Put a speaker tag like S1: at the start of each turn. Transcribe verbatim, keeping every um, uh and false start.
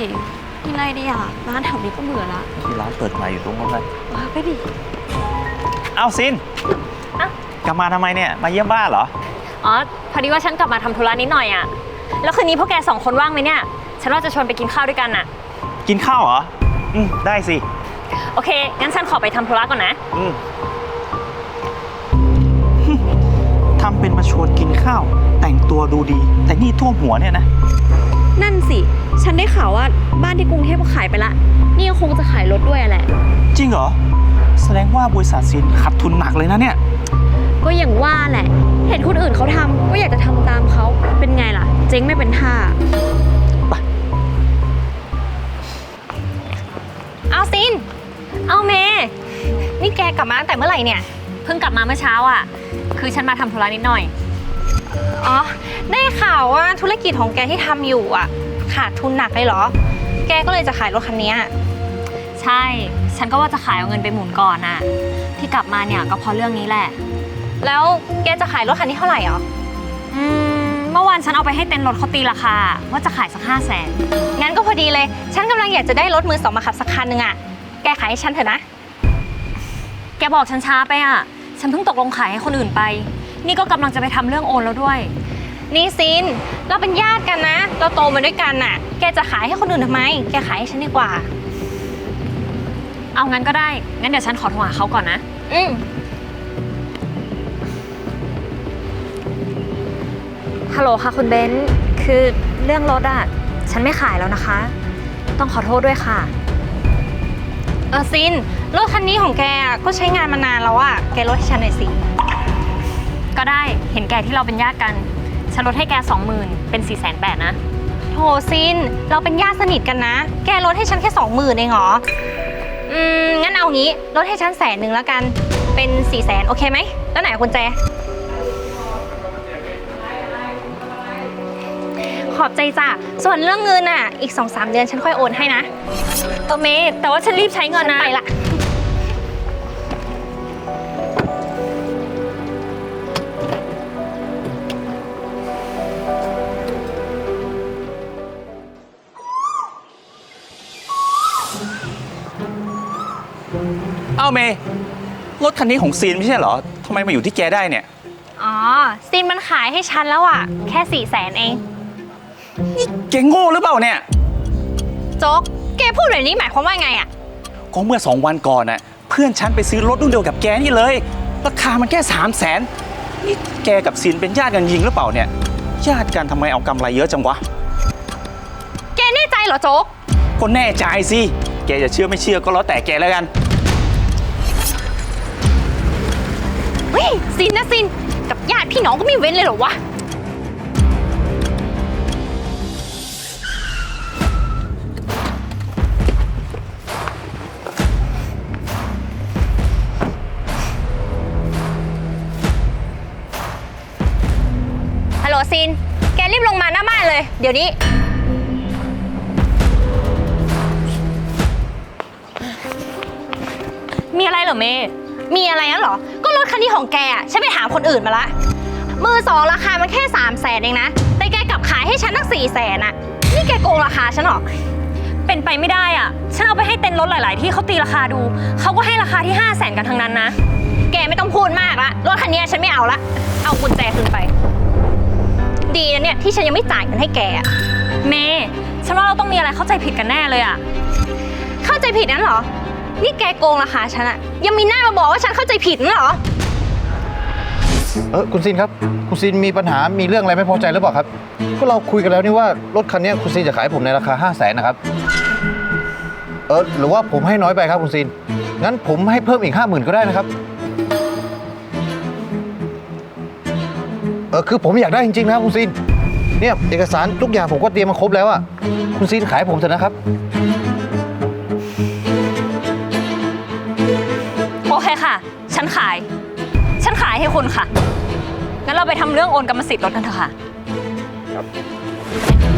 S1: กินอะไรดีอ่ะร้านแถวนี้ก็เบื่อละ
S2: ที่ร้านเปิดใหม่อยู่ตรงนั้นเลย
S1: ไปดิ
S2: เอาซินกลับมาทำไมเนี่ยมาเยี่ยมบ้านเหรอ
S3: อ๋อพอดีว่าฉันกลับมาทำธุระนิดหน่อยอ่ะแล้วคืนนี้พวกแกสองคนว่างไหมเนี่ยฉันว่าจะชวนไปกินข้าวด้วยกันอ่ะ
S2: กินข้าวเหรออืมได้สิ
S3: โอเคงั้นฉันขอไปทำธุระก่อนนะ
S2: อืมทำเป็นมาชวนกินข้าวแต่งตัวดูดีแต่นี่ท่วมหัวเนี่ยนะ
S1: นั่นสิฉันได้ข่าวว่าบ้านที่กรุงเทพก็ขายไปละนี่ก็คงจะขายรถด้วยแหละ
S2: จริงเหรอแสดงว่าบริษัทซินขาดทุนหนักเลยนะเนี่ย
S1: ก็อย่างว่าแหละเห็นคนอื่นเขาทำก็อยากจะทำตามเขาเป็นไงล่ะเจ๊งไม่เป็นท่า
S2: ไป
S3: เอาซินเอาเมย์นี่แกกลับมาตั้งแต่เมื่อไหร่เนี่ยเพิ่งกลับมาเมื่อเช้าอ่ะคือฉันมาทำธุระนิดหน่อย
S4: อ๋อได้ข่าวว่าธุรกิจของแกที่ทำอยู่อ่ะขาดทุนหนักเลยเหรอแกก็เลยจะขายรถคันนี้
S3: ใช่ฉันก็ว่าจะขายเอาเงินไปหมุนก่อนน่ะที่กลับมาเนี่ยก็เพราะเรื่องนี้แหละ
S4: แล้วแกจะขายรถคันนี้เท่าไหร่หรอ
S3: อืมเมื่อวานฉันเอาไปให้เต็นท์รถเขาตีราคาว่าจะขายสักห้าแสน
S4: งั้นก็พอดีเลยฉันกำลังอยากจะได้รถมือสองมาขับสักคันหนึ่งอ่ะแกขายให้ฉันเถอะนะ
S3: แกบอกฉันช้าไปอ่ะฉันเพิ่งตกลงขายให้คนอื่นไปนี่ก็กำลังจะไปทำเรื่องโอนแล้วด้วย
S4: นี่ซินเราเป็นญาติกันนะเราโตมาด้วยกันน่ะแกจะขายให้คนอื่นทำไมแกขายให้ฉันดีกว่า
S3: เอางั้นก็ได้งั้นเดี๋ยวฉันขอโทรหาเขาก่อนนะ
S4: อืม
S3: ฮัลโหลค่ะคุณเบนซ์คือเรื่องรถอ่ะฉันไม่ขายแล้วนะคะต้องขอโทษด้วยค่ะ
S4: เออซินรถคันนี้ของแกก็ใช้งานมานานแล้วอะแกลดให้ฉันหน่อยสิ
S3: ก็ได้เห็นแกที่เราเป็นญาติกันฉันลดให้แกสองหมื่นเป็นสี่แสนแปดนะ
S4: โถซินเราเป็นญาติสนิทกันนะแกลดให้ฉันแค่สองหมื่นเองเหรออืมงั้นเอางี้ลดให้ฉันแสนหนึ่งแล้วกันเป็นสี่แสนโอเคไหมแล้วไหนกุญแจขอบใจจ้ะส่วนเรื่องเงินอ่ะอีก สองสาม เดือนฉันค่อยโอนให้นะ
S3: เออเมย์แต่ว่าฉันรีบใช้เงินนะ
S4: ไปละ
S2: อ้าวเมย์รถคันนี้ของซีนไม่ใช่เหรอทำไมมาอยู่ที่แกได้เนี่ย
S4: อ๋อซีนมันขายให้ฉันแล้วอ่ะแค่สี่แสนเอง
S2: นี่แกโง่หรือเปล่าเนี่ย
S4: โจ๊กแกพูดแบบนี้หมายความว่าไงอ่ะ
S2: ก็เมื่อสองวันก่อนน่ะเพื่อนฉันไปซื้อรถรุ่นเดียวกับแกนี่เลยราคามันแค่สามแสนนี่แกกับซีนเป็นญาติกันจริงหรือเปล่าเนี่ยญาติกันทำไมเอากำไรเยอะจังวะ
S4: แกแน่ใจเหรอโจ๊ก
S2: ก็แน่ใจสิแกจะเชื่อไม่เชื่อก็แล้วแต่แกแล้วกัน
S4: เฮ้ยซินนะซินกับญาติพี่น้องก็ไม่เว้นเลยเหรอวะฮัลโหลซินแกรีบลงมาหน้าบ้านเลยเดี๋ยวนี้
S3: มีอะไรเหรอเมย์
S4: มีอะไรนั่นหรอก็รถคันนี้ของแกอ่ะฉันไปถามคนอื่นมาละมือสองราคามันแค่สามแสนเองนะแต่แกกลับขายให้ฉันตั้งสี่แสนอ่ะนี่แกโกงราคาฉันหรอ
S3: เป็นไปไม่ได้อ่ะฉันเอาไปให้เต็นท์รถหลายๆที่เขาตีราคาดูเขาก็ให้ราคาที่ห้าแสนกันทั้งนั้นนะ
S4: แกไม่ต้องพูดมากละรถคันนี้ฉันไม่เอาละเอากุญแจคืนไปดีนะเนี่ยที่ฉันยังไม่จ่ายเงินให้แกอ่ะ
S3: เมย์ฉันว่าเราต้องมีอะไรเข้าใจผิดกันแน่เลยอ่ะ
S4: เข้าใจผิดนั่นหรอนี่แกโกงราคาฉันอะยังมีหน้ามาบอกว่าฉันเข้าใจผิดนั่นหรอ
S5: เออคุณซินครับคุณซินมีปัญหามีเรื่องอะไรไม่พอใจหรือเปล่าครับก็เราคุยกันแล้วนี่ว่ารถคันนี้คุณซินจะขายผมในราคาห้าแสนนะครับเออหรือว่าผมให้น้อยไปครับคุณซินงั้นผมให้เพิ่มอีกห้าหมื่นก็ได้นะครับเออคือผมอยากได้จริงๆนะครับคุณซินเนี่ยเอกสารทุกอย่างผมก็เตรียมมาครบแล้วอะคุณซินขายผมเถอะนะครับ
S3: โอเคค่ะฉันขายฉันขายให้คุณค่ะงั้นเราไปทำเรื่องโอนกรรมสิทธิ์รถกันเถอะค่ะครับ